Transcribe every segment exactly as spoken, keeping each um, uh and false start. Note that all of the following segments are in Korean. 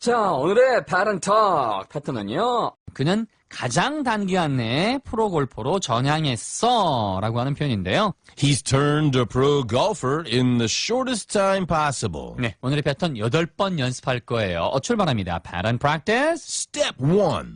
자, 오늘의 pattern talk 패턴은요. 그는 가장 단기간 내에 프로골퍼로 전향했어 라고 하는 표현인데요. He's turned a pro golfer in the shortest time possible. 네, 오늘의 패턴 여덟 번 연습할 거예요. 어, 출발합니다. pattern practice. Step one.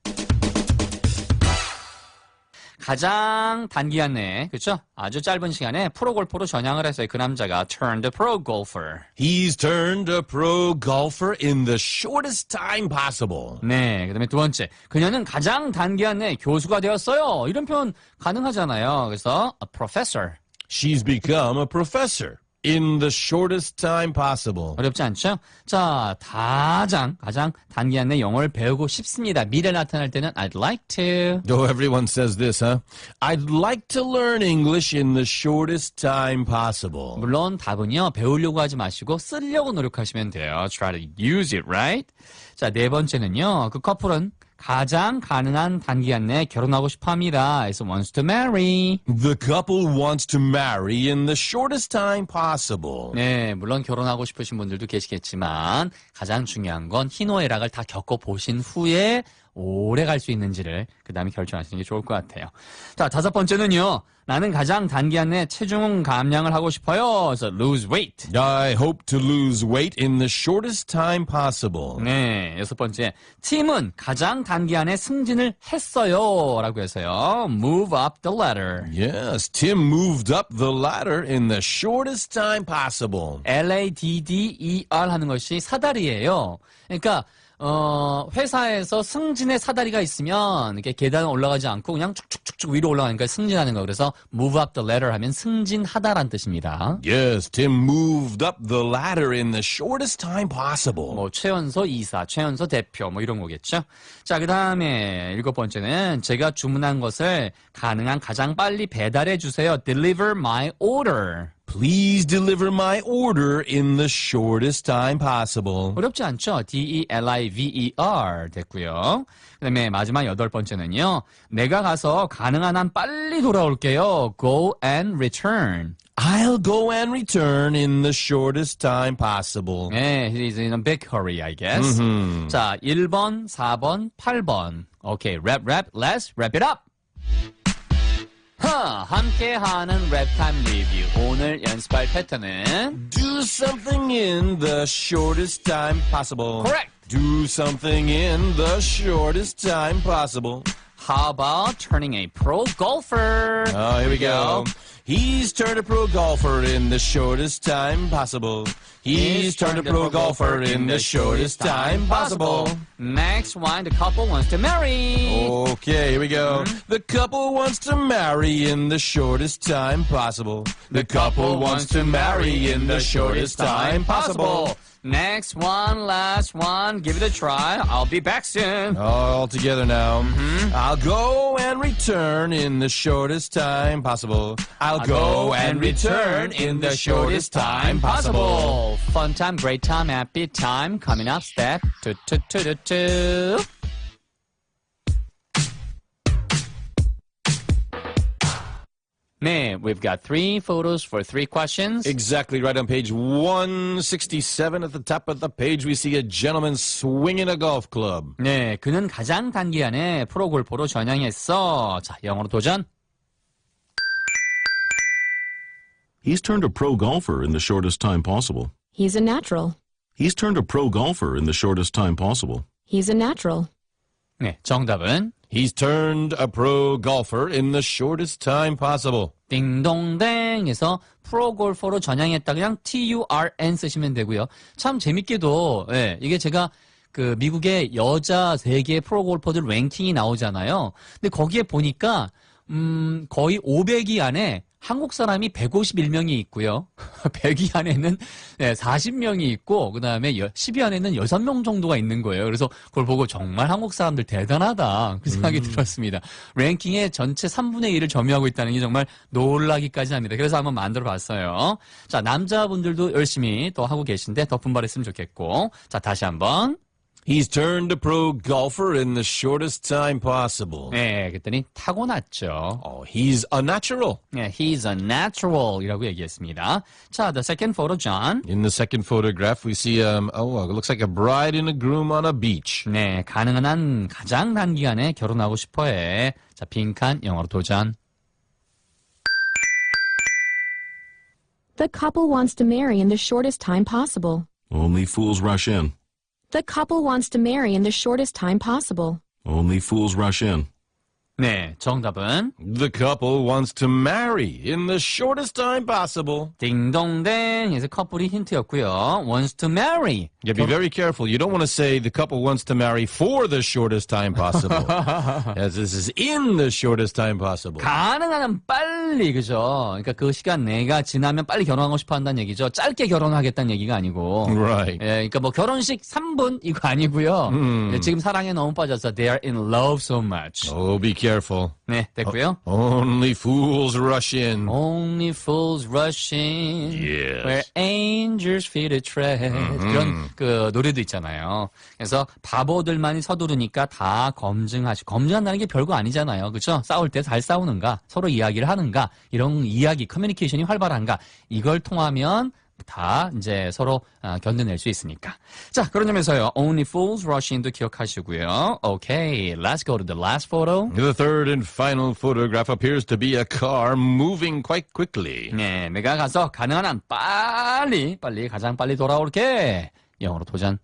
가장 단기간 내에, 그렇죠? 아주 짧은 시간에 프로골퍼로 전향을 했어요. 그 남자가 turned a pro golfer. He's turned a pro golfer in the shortest time possible. 네, 그 다음에 두 번째. 그녀는 가장 단기간 내에 교수가 되었어요. 이런 표현 가능하잖아요. 그래서 a professor. She's become a professor in the shortest time possible. 어렵지 않죠? 자, 가장, 가장 단기간 내에 영어를 배우고 싶습니다. 미래 나타날 때는 I'd like to. Oh, everyone says this, huh? I'd like to learn English in the shortest time possible. 물론 답은요, 배우려고 하지 마시고 쓰려고 노력하시면 돼요. Try to use it, right? 자, 네 번째는요, 그 커플은 가장 가능한 단기간 내에 결혼하고 싶어 합니다. 그래서 wants to marry. The couple wants to marry in the shortest time possible. 네, 물론 결혼하고 싶으신 분들도 계시겠지만 가장 중요한 건 희노애락을 다 겪어보신 후에 오래 갈 수 있는지를 그 다음에 결정하시는 게 좋을 것 같아요. 자, 다섯 번째는요. 나는 가장 단기간 내에 체중 감량을 하고 싶어요. 그래서 lose weight. I hope to lose weight in the shortest time possible. 네, 여섯 번째. 팀은 가장 단기간에 승진을 했어요. 라고 해서요. move up the ladder. Yes, Tim moved up the ladder in the shortest time possible. L A D D E R 하는 것이 사다리예요. 그러니까 어, 회사에서 승진의 사다리가 있으면 이렇게 계단을 올라가지 않고 그냥 쭉쭉쭉쭉 위로 올라가니까 승진하는 거. 그래서 move up the ladder 하면 승진하다라는 뜻입니다. Yes, Tim moved up the ladder in the shortest time possible. 뭐 최연소 이사, 최연소 대표 뭐 이런 거겠죠. 자, 그다음에 일곱 번째는 제가 주문한 것을 가능한 가장 빨리 배달해 주세요. Deliver my order. Please deliver my order in the shortest time possible. 어렵지 않죠? D E L I V E R 됐고요. 그 다음에 마지막 여덟 번째는요. 내가 가서 가능한 한 빨리 돌아올게요. Go and return. I'll go and return in the shortest time possible. 네, he is in a big hurry, I guess. Mm-hmm. 자, 일 번, 사 번, 팔 번. 오케이, 랩, 랩, let's wrap it up. 하, 함께하는 랩타임 리뷰. 오늘 연습할 패턴은 Do something in the shortest time possible. Correct. Do something in the shortest time possible. How about turning a pro golfer? Oh, here we go. He's turned a pro golfer in the shortest time possible. He's turned a pro golfer in the shortest time possible. Next one, the couple wants to marry. Okay, here we go. The couple wants to marry in the shortest time possible. The couple wants to marry in the shortest time possible. Next one, last one. Give it a try. I'll be back soon. All together now. Mm-hmm. I'll go and return in the shortest time possible. I'll, I'll go and return in the shortest time possible. Fun time, great time, happy time. Coming up, step two, two, two, two, two. 네, we've got three photos for three questions. Exactly right on page one sixty-seven at the top of the page we see a gentleman swinging a golf club. 네, 그는 가장 단기간에 프로골퍼로 전향했어. 자, 영어로 도전. He's turned a pro golfer in the shortest time possible. He's a natural. He's turned a pro golfer in the shortest time possible. He's a natural. 네, 정답은 He's turned a pro golfer in the shortest time possible. 띵동댕에서 프로골퍼로 전향했다. 그냥 T U R N 쓰시면 되고요. 참 재밌게도 예, 이게 제가 그 미국의 여자 세계 프로골퍼들 랭킹이 나오잖아요. 근데 거기에 보니까 음, 거의 오백 위 안에 한국 사람이 백오십일 명이 있고요. 백 위 안에는 사십 명이 있고 그 다음에 십 위 안에는 여섯 명 정도가 있는 거예요. 그래서 그걸 보고 정말 한국 사람들 대단하다 그 생각이 음. 들었습니다. 랭킹의 전체 삼분의 일을 점유하고 있다는 게 정말 놀라기까지 합니다. 그래서 한번 만들어 봤어요. 자, 남자분들도 열심히 또 하고 계신데 더 분발했으면 좋겠고. 자, 다시 한번. He's turned a pro golfer in the shortest time possible. 네, 그랬더니 타고났죠. Oh, he's a natural. 네, he's a natural이라고 얘기했습니다. 자, the second photo, John. In the second photograph, we see, um, oh, it looks like a bride and a groom on a beach. 네, 가능한 한 가장 단기간에 결혼하고 싶어해. 자, 빈칸 영어로 도전. The couple wants to marry in the shortest time possible. Only fools rush in. The couple wants to marry in the shortest time possible. Only fools rush in. 네, 정답은 The couple wants to marry in the shortest time possible. 딩동댕에서 커플이 힌트였고요. wants to marry. Yeah, be very careful. You don't want to say the couple wants to marry for the shortest time possible. As this is in the shortest time possible. 가능한 한 빨리, 그죠? 그러니까 그 시간 내가 지나면 빨리 결혼하고 싶어 한다는 얘기죠. 짧게 결혼하겠다는 얘기가 아니고. Right. 예, 그러니까 뭐 결혼식 삼 분 이거 아니고요. 예, 지금 사랑에 너무 빠져서 they are in love so much. Oh, be careful. 네, 됐고요. Only fools rush in. Only fools rush in Yes. where angels fear to tread. 그런 그 노래도 있잖아요. 그래서 바보들만이 서두르니까 다 검증하시고, 검증한다는 게 별거 아니잖아요. 그렇죠? 싸울 때 잘 싸우는가, 서로 이야기를 하는가, 이런 이야기, 커뮤니케이션이 활발한가, 이걸 통하면 다 이제 서로 아, 견뎌낼 수 있으니까. 자, 그런 점에서요. Only fools rush in도 기억하시고요. Okay, let's go to the last photo. The third and final photograph appears to be a car moving quite quickly. 네, 내가 가서 가능한 한 빨리, 빨리, 가장 빨리 돌아올게. 영어로 도전.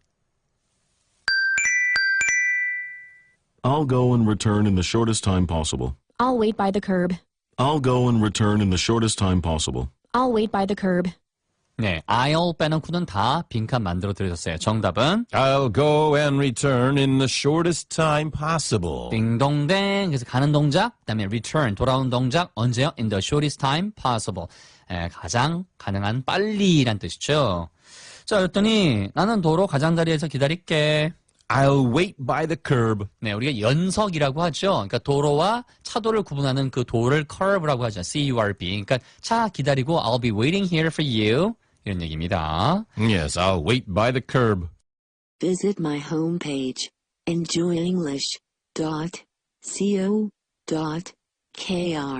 I'll go and return in the shortest time possible. I'll wait by the curb. I'll go and return in the shortest time possible. I'll wait by the curb. 네, I'll 빼놓고는 다 빈칸 만들어 드렸어요. 정답은 I'll go and return in the shortest time possible. 띵동댕. 그래서 가는 동작, 그다음에 return, 돌아오는 동작, 언제요? In the shortest time possible. 에, 가장 가능한 빨리란 뜻이죠. 자, 그랬더니 나는 도로 가장자리에서 기다릴게. I'll wait by the curb. 네, 우리가 연석이라고 하죠. 그러니까 도로와 차도를 구분하는 그 도를 curve라고 하죠. C U R B. 그러니까 차 기다리고 I'll be waiting here for you. 이런 얘기입니다. Yes, I'll wait by the curb. Visit my homepage, enjoy english dot co dot k r.